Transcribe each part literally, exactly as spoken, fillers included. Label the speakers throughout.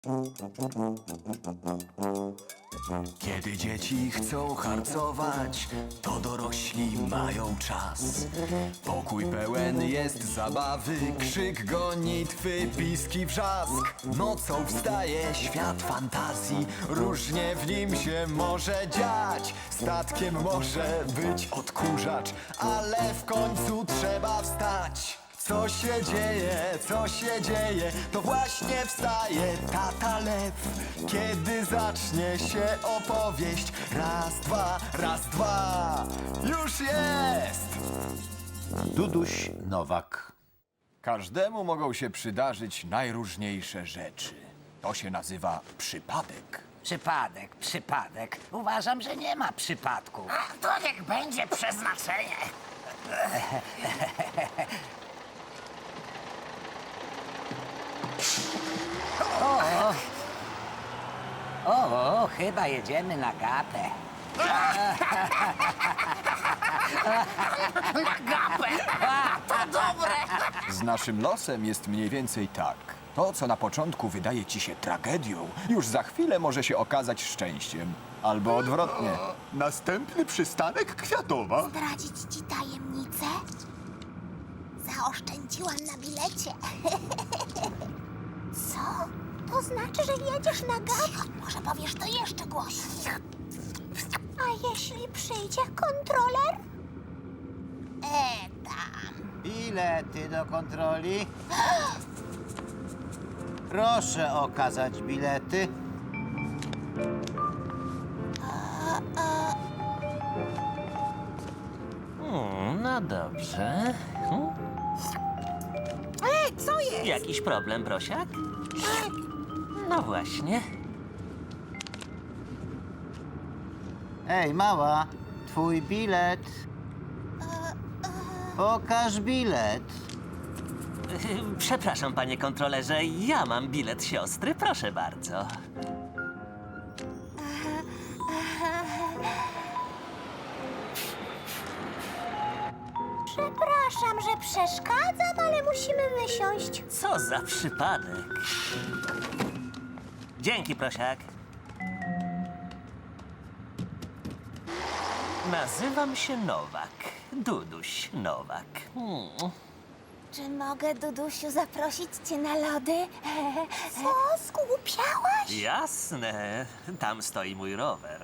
Speaker 1: Kiedy dzieci chcą harcować, to dorośli mają czas. Pokój pełen jest zabawy, krzyk, gonitwy, piski, wrzask. Nocą wstaje świat fantazji, różnie w nim się może dziać. Statkiem może być odkurzacz, ale w końcu trzeba wstać. Co się dzieje, co się dzieje, to właśnie wstaje tata lew. Kiedy zacznie się opowieść, raz, dwa, raz, dwa, już jest!
Speaker 2: Duduś Nowak.
Speaker 1: Każdemu mogą się przydarzyć najróżniejsze rzeczy. To się nazywa przypadek.
Speaker 3: Przypadek, przypadek. Uważam, że nie ma przypadków.
Speaker 4: A to niech będzie przeznaczenie.
Speaker 3: O, chyba jedziemy na gapę.
Speaker 4: Na gapę. To dobre.
Speaker 1: Z naszym losem jest mniej więcej tak. To, co na początku wydaje ci się tragedią, już za chwilę może się okazać szczęściem. Albo odwrotnie.
Speaker 2: Następny przystanek Kwiatowa.
Speaker 5: Zdradzić ci tajemnicę? Zaoszczędziłam na bilecie. Co? To znaczy, że jedziesz na gapę? Może powiesz to jeszcze głośniej. A jeśli przyjdzie kontroler? E, tam.
Speaker 6: Bilety do kontroli. Proszę okazać bilety.
Speaker 7: Hmm, no dobrze. Hmm?
Speaker 5: E, co jest?
Speaker 7: Jakiś problem, prosiak? No właśnie.
Speaker 6: Ej, mała, twój bilet. Pokaż bilet.
Speaker 7: Przepraszam, panie kontrolerze, ja mam bilet siostry, proszę bardzo.
Speaker 5: Przepraszam, że przeszkadzam, ale musimy wysiąść.
Speaker 7: Co za przypadek. Dzięki, prosiak. Nazywam się Nowak. Duduś Nowak. Hmm.
Speaker 5: Czy mogę, Dudusiu, zaprosić cię na lody? Co? Zgłupiałaś?
Speaker 7: Jasne, tam stoi mój rower.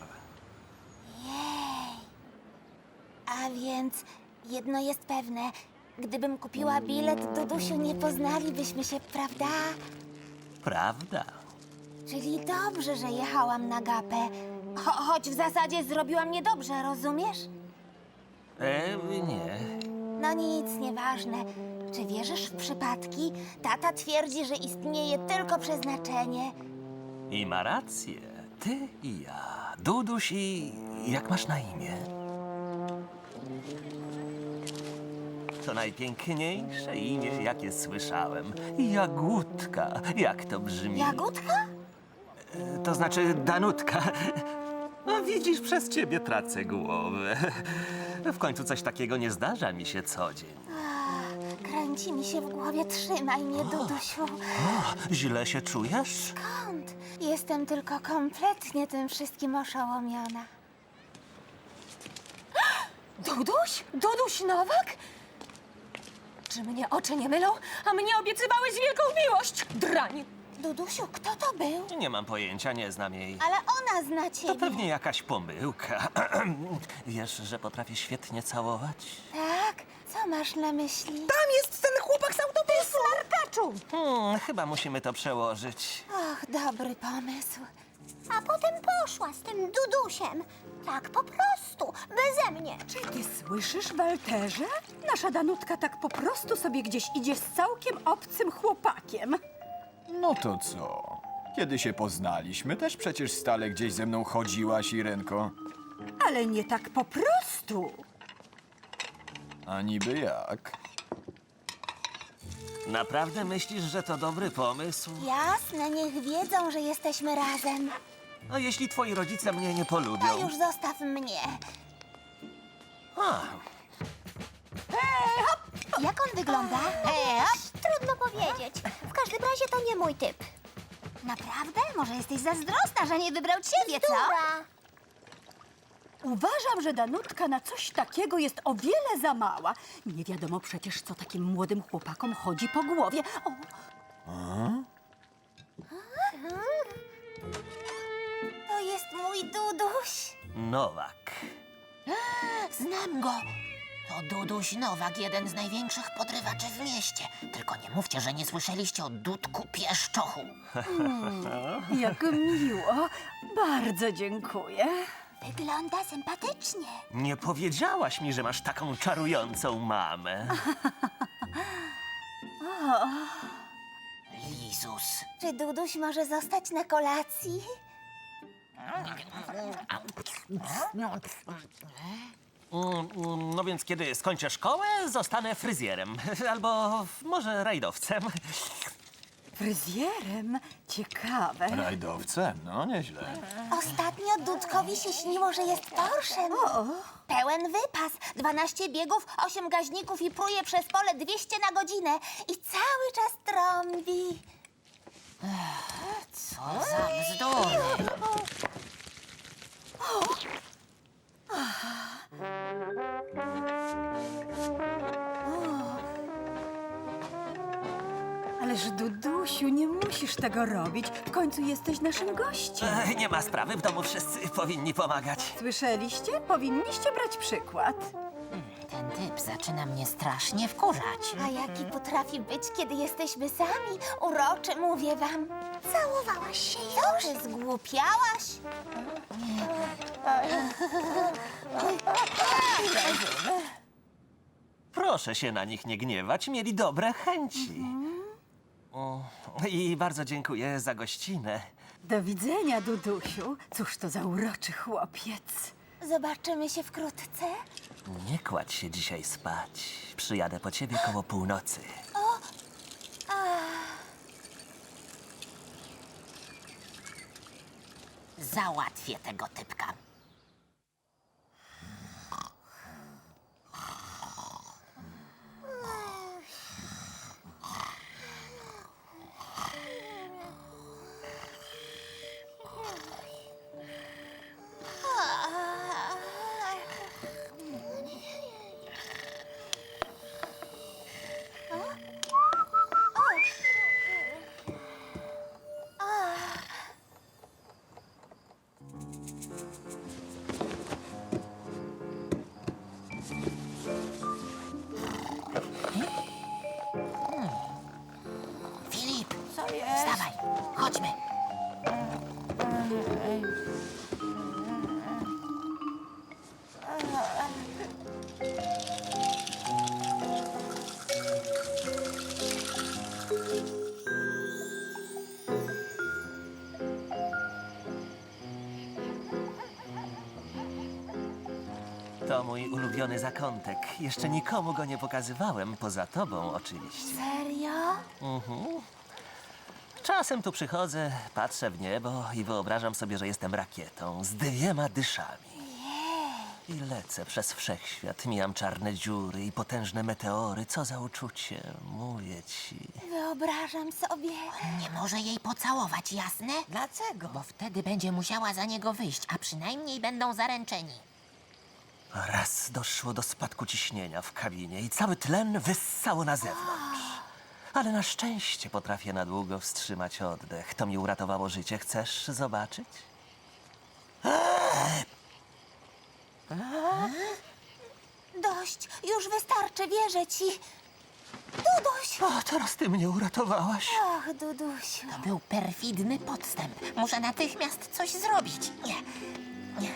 Speaker 5: A więc jedno jest pewne. Gdybym kupiła bilet, Dudusiu, nie poznalibyśmy się, prawda?
Speaker 7: Prawda?
Speaker 5: Czyli dobrze, że jechałam na gapę. Cho choć w zasadzie zrobiłam niedobrze, rozumiesz?
Speaker 7: E, nie.
Speaker 5: No nic, nieważne. Czy wierzysz w przypadki? Tata twierdzi, że istnieje tylko przeznaczenie.
Speaker 7: I ma rację. Ty i ja. Duduś i... jak masz na imię? To najpiękniejsze imię, jakie słyszałem. Jagódka. Jak to brzmi?
Speaker 5: Jagódka?
Speaker 7: To znaczy Danutka. No widzisz, przez ciebie tracę głowę. W końcu coś takiego nie zdarza mi się co dzień.
Speaker 5: Kręci mi się w głowie. Trzymaj mnie, Dudusiu.
Speaker 7: O, źle się czujesz?
Speaker 5: Skąd? Jestem tylko kompletnie tym wszystkim oszołomiona.
Speaker 8: Duduś? Duduś Nowak? Czy mnie oczy nie mylą? A mnie obiecywałeś wielką miłość, drań!
Speaker 5: Dudusiu, kto to był?
Speaker 7: Nie mam pojęcia, nie znam jej.
Speaker 5: Ale ona zna
Speaker 7: To
Speaker 5: ciebie.
Speaker 7: pewnie jakaś pomyłka. Wiesz, że potrafię świetnie całować?
Speaker 5: Tak? Co masz na myśli?
Speaker 8: Tam jest ten chłopak z autobusu! Smarkaczu!
Speaker 7: Hmm, chyba musimy to przełożyć.
Speaker 5: Och, dobry pomysł. A potem poszła z tym Dudusiem. Tak po prostu, beze mnie.
Speaker 8: Czy ty słyszysz, Walterze? Nasza Danutka tak po prostu sobie gdzieś idzie z całkiem obcym chłopakiem.
Speaker 1: No to co? Kiedy się poznaliśmy, też przecież stale gdzieś ze mną chodziłaś, Irenko.
Speaker 8: Ale nie tak po prostu.
Speaker 1: A niby jak?
Speaker 7: Naprawdę myślisz, że to dobry pomysł?
Speaker 5: Jasne, niech wiedzą, że jesteśmy razem.
Speaker 7: A jeśli twoi rodzice mnie nie polubią?
Speaker 5: A już zostaw mnie.
Speaker 7: A,
Speaker 5: Jak on wygląda? E, trudno powiedzieć. W każdym razie to nie mój typ. Naprawdę? Może jesteś zazdrosna, że nie wybrał ciebie, co?
Speaker 8: Uważam, że Danutka na coś takiego jest o wiele za mała. Nie wiadomo przecież, co takim młodym chłopakom chodzi po głowie. O,
Speaker 5: To jest mój Duduś.
Speaker 7: Nowak.
Speaker 4: Znam go. To Duduś Nowak, jeden z największych podrywaczy w mieście. Tylko nie mówcie, że nie słyszeliście o Dudku Pieszczochu.
Speaker 8: jak miło. Bardzo dziękuję.
Speaker 5: Wygląda sympatycznie.
Speaker 7: Nie powiedziałaś mi, że masz taką czarującą mamę.
Speaker 4: Lizus.
Speaker 5: Czy Duduś może zostać na kolacji?
Speaker 7: Mm, mm, No więc kiedy skończę szkołę, zostanę fryzjerem. Albo może rajdowcem.
Speaker 8: Fryzjerem? Ciekawe.
Speaker 2: Rajdowcem? No, nieźle.
Speaker 5: Ostatnio Dudkowi się śniło, że jest Porszem. Pełen wypas, dwanaście biegów, osiem gaźników i pruje przez pole dwieście na godzinę. I cały czas trąbi.
Speaker 4: Co za bzdury.
Speaker 8: Ależ Dudusiu, nie musisz tego robić. W końcu jesteś naszym gościem.
Speaker 7: Ech, Nie ma sprawy, w domu wszyscy powinni pomagać.
Speaker 8: Słyszeliście? Powinniście brać przykład.
Speaker 4: Ten typ zaczyna mnie strasznie wkurzać.
Speaker 5: A jaki potrafi być, kiedy jesteśmy sami? Uroczy, mówię wam. Całowałaś się już? Co, ty zgłupiałaś?
Speaker 7: Proszę się na nich nie gniewać, mieli dobre chęci. O, I bardzo dziękuję za gościnę.
Speaker 8: Do widzenia, Dudusiu. Cóż to za uroczy chłopiec.
Speaker 5: Zobaczymy się wkrótce.
Speaker 7: Nie kładź się dzisiaj spać. Przyjadę po ciebie koło północy.
Speaker 4: Załatwię tego typka. Filip,
Speaker 8: Co jest?
Speaker 4: wstawaj, chodźmy.
Speaker 7: To mój ulubiony zakątek. Jeszcze nikomu go nie pokazywałem, poza tobą oczywiście.
Speaker 5: Serio?
Speaker 7: Czasem tu przychodzę, patrzę w niebo i wyobrażam sobie, że jestem rakietą z dwiema dyszami. I lecę przez wszechświat, mijam czarne dziury i potężne meteory. Co za uczucie, mówię ci.
Speaker 5: Wyobrażam sobie.
Speaker 4: Nie może jej pocałować, jasne?
Speaker 3: Dlaczego?
Speaker 4: Bo wtedy będzie musiała za niego wyjść, a przynajmniej będą zaręczeni.
Speaker 7: Raz doszło do spadku ciśnienia w kabinie i cały tlen wyssało na zewnątrz. Ale na szczęście potrafię na długo wstrzymać oddech. To mi uratowało życie. Chcesz zobaczyć?
Speaker 5: Dość, już wystarczy, wierzę ci. Duduś!
Speaker 7: O, teraz ty mnie uratowałaś.
Speaker 5: Och, Dudusiu.
Speaker 4: To był perfidny podstęp. Muszę natychmiast coś zrobić. Nie, nie.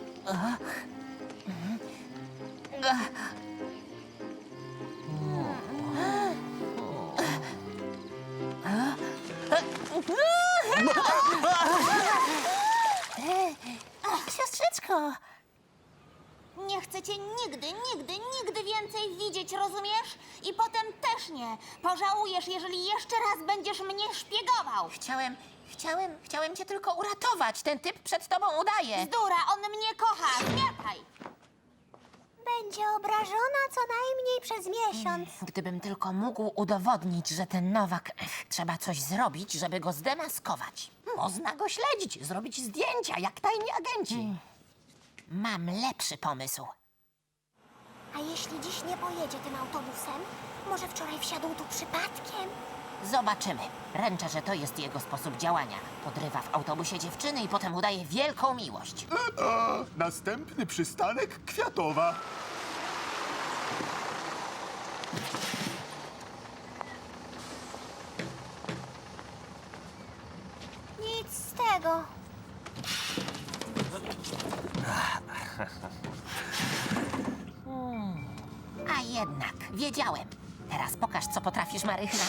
Speaker 5: Ach, siostrzyczko! Nie chcę cię nigdy, nigdy, nigdy więcej widzieć, rozumiesz? I potem też nie. Pożałujesz, jeżeli jeszcze raz będziesz mnie szpiegował.
Speaker 4: Chciałem, chciałem, chciałem cię tylko uratować. Ten typ przed tobą udaje.
Speaker 5: Bzdura, on mnie kocha. Zmiataj! Będzie obrażona co najmniej przez miesiąc.
Speaker 4: Gdybym tylko mógł udowodnić, że ten Nowak... Ech, trzeba coś zrobić, żeby go zdemaskować.
Speaker 3: Można go śledzić, zrobić zdjęcia, jak tajni agenci.
Speaker 4: Mam lepszy pomysł.
Speaker 5: A jeśli dziś nie pojedzie tym autobusem? Może wczoraj wsiadł tu przypadkiem?
Speaker 4: Zobaczymy. Ręczę, że to jest jego sposób działania. Podrywa w autobusie dziewczyny i potem udaje wielką miłość.
Speaker 9: A, następny przystanek Kwiatowa.
Speaker 5: Nic z tego.
Speaker 4: A jednak, wiedziałem. Teraz pokaż, co potrafisz, Marychna.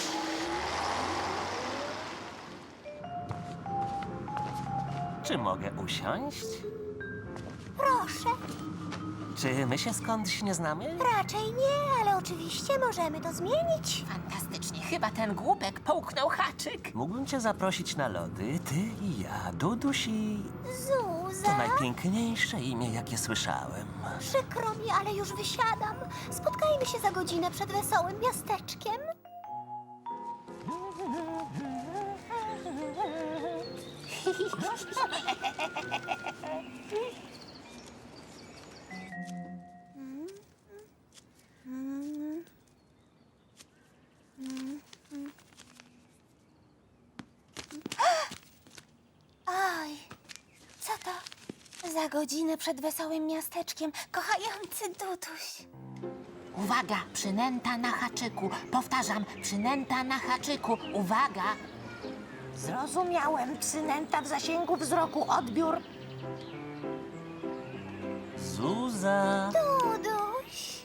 Speaker 7: Czy mogę usiąść?
Speaker 5: Proszę.
Speaker 7: Czy my się skądś nie znamy?
Speaker 5: Raczej nie, ale oczywiście możemy to zmienić.
Speaker 4: Fantastycznie. Chyba ten głupek połknął haczyk.
Speaker 7: Mógłbym cię zaprosić na lody, ty i ja, Duduś i... To
Speaker 5: Zuza,
Speaker 7: najpiękniejsze imię, jakie słyszałem.
Speaker 5: przykro mi, ale już wysiadam. Spotkajmy się za godzinę przed wesołym miasteczkiem. Oj, co to? Za godzinę przed wesołym miasteczkiem, kochający Duduś.
Speaker 4: Uwaga, przynęta na haczyku. Powtarzam, przynęta na haczyku. Uwaga.
Speaker 3: Zrozumiałem, przynęta w zasięgu wzroku, odbiór.
Speaker 7: Zuza!
Speaker 5: Duduś.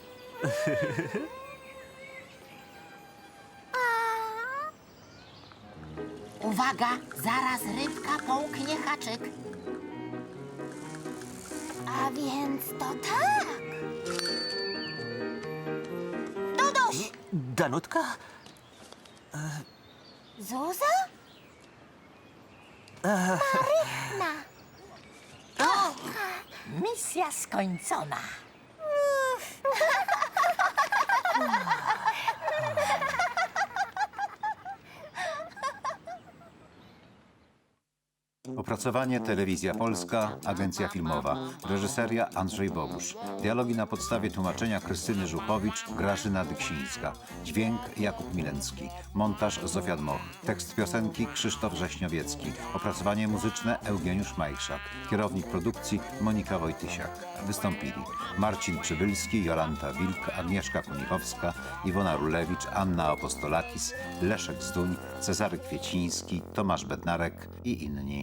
Speaker 5: A,
Speaker 4: Uwaga, zaraz rybka połknie haczyk.
Speaker 5: a więc to tak. Duduś!
Speaker 7: Danutka?
Speaker 5: Zuza? Marychna.
Speaker 3: Misja skończona.
Speaker 2: Opracowanie Telewizja Polska, Agencja Filmowa. Reżyseria Andrzej Bogusz. Dialogi na podstawie tłumaczenia Krystyny Żuchowicz, Grażyna Dyksińska. Dźwięk Jakub Milencki. Montaż Zofia Dmoch. Tekst piosenki Krzysztof Rześniowiecki. Opracowanie muzyczne Eugeniusz Majchrzak. Kierownik produkcji Monika Wojtysiak. Wystąpili Marcin Przybylski, Jolanta Wilk, Agnieszka Kunichowska, Iwona Rulewicz, Anna Apostolakis, Leszek Zduń, Cezary Kwieciński, Tomasz Bednarek i inni.